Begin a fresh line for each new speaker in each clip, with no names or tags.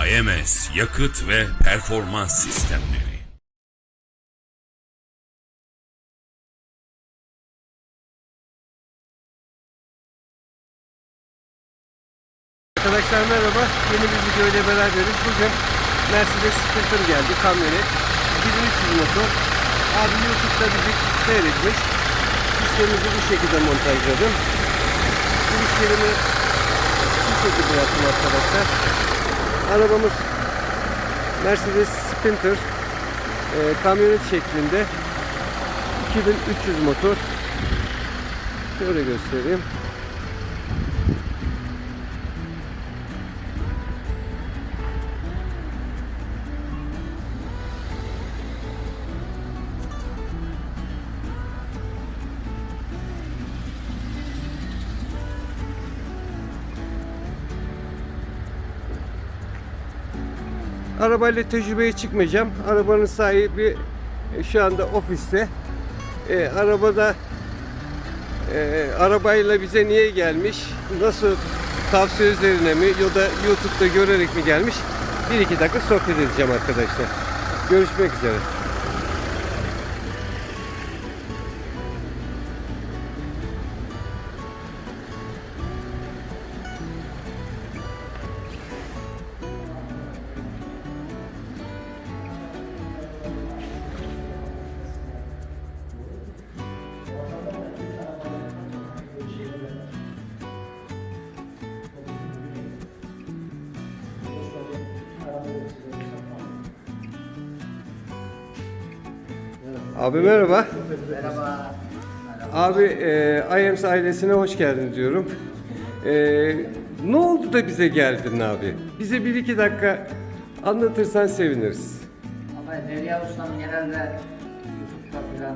AMS Yakıt ve Performans Sistemleri.
Arkadaşlar merhaba, yeni bir video ile beraberiz. Bugün Mercedes Sprinter geldi, kamyonet 2300 motor. Abi YouTube'da bizi seyretmiş. Sistemimizi bu şekilde montajladım. Girişlerimi bu şekilde yaptım arkadaşlar. Arabamız Mercedes Sprinter kamyonet şeklinde 2300 motor. Şöyle göstereyim. Arabayla tecrübeye çıkmayacağım. Arabanın sahibi şu anda ofiste. Arabayla bize niye gelmiş? Nasıl, tavsiye üzerine mi ya da YouTube'da görerek mi gelmiş? 1-2 dakika sohbet edeceğim arkadaşlar. Görüşmek üzere. Abi merhaba.
Merhaba.
Abi IAMS ailesine hoş geldin diyorum. Ne oldu da bize geldin abi? Bize 1-2 dakika anlatırsan seviniriz.
Ama Derya Ustam genelde YouTube'da filan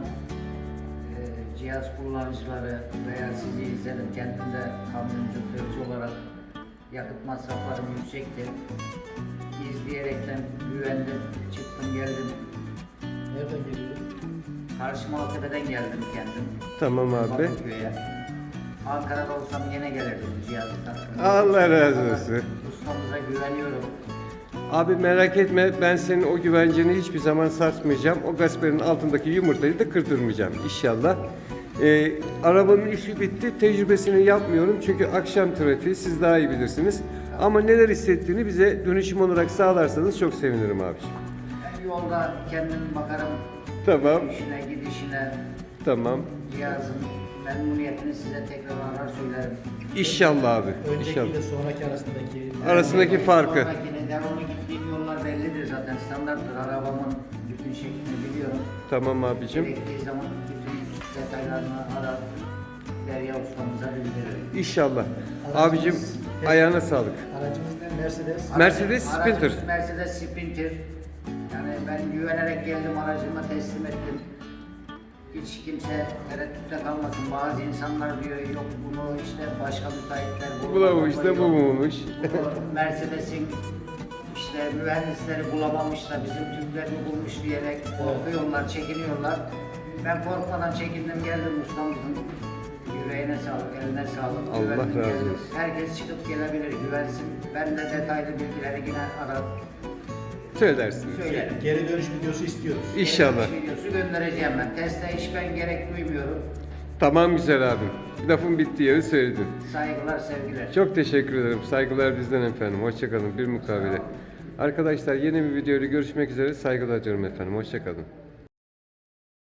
cihaz kullanıcıları veya sizi izledim. Kendim de kamyoncu tırcı olarak yakıt masraflarım yüksekti. İzleyerekten güvendim, çıktım geldim.
Nereden geliyorsun?
Karşı Maltepe'den geldim kendim.
Tamam abi.
Bakırköy'e. Ankara'da olsam yine gelirdim cihazı taktım.
Allah razı olsun.
Ustamıza güveniyorum.
Abi merak etme, ben senin o güvenceni hiçbir zaman sarsmayacağım. O gasperin altındaki yumurtayı da kırdırmayacağım inşallah. Arabanın işi bitti. Tecrübesini yapmıyorum çünkü akşam trafiği, siz daha iyi bilirsiniz. Ama neler hissettiğini bize dönüşüm olarak sağlarsanız çok sevinirim abiciğim.
Ben yolda kendim bakarım.
Tamam.
İşine, gidişine,
Tamam.
cihazın memnuniyetini size tekrar arar söylerim.
İnşallah abi.
Önceki
İnşallah.
ile sonraki
Arasındaki farkı.
Sonrakine devamlı gittiğim yollar bellidir zaten, standarttır. Arabamın bütün şeklini biliyorum.
Tamam abicim.
Gerektiği zaman bütün detaylarını arar, Derya ustamıza bildiririm.
İnşallah. Abicim ayağına sağlık.
Aracımız ne? Mercedes.
Mercedes Sprinter.
Aracımız Mercedes Sprinter. Yani ben güvenerek geldim, aracıma teslim ettim. Hiç kimse tereddütte kalmasın. Bazı insanlar diyor yok bunu işte başka müteahhitler
Bulamış da bu muymuş?
Bunu Mercedes'in işte mühendisleri bulamamış da bizim Türkler mi bulmuş diyerek korkuyorlar, çekiniyorlar. Ben korkmadan çekindim geldim ustamızın. Yüreğine sağlık, eline sağlık.
Allah
Güvendim,
razı
geldim.
olsun.
Herkes çıkıp gelebilir, güvensin. Ben de detaylı bilgileri yine arar,
Söylersiniz.
söylerim.
Geri dönüş videosu istiyoruz.
İnşallah.
Geri dönüş videosu göndereceğim ben. Teste hiç ben gerek duymuyorum.
Tamam güzel abim. Lafın bittiği yeri söyledin.
Saygılar, sevgiler.
Çok teşekkür ederim. Saygılar bizden efendim. Hoşçakalın. Bir mukabele. Arkadaşlar yeni bir videoyla görüşmek üzere. Saygılar diyorum efendim. Hoşçakalın.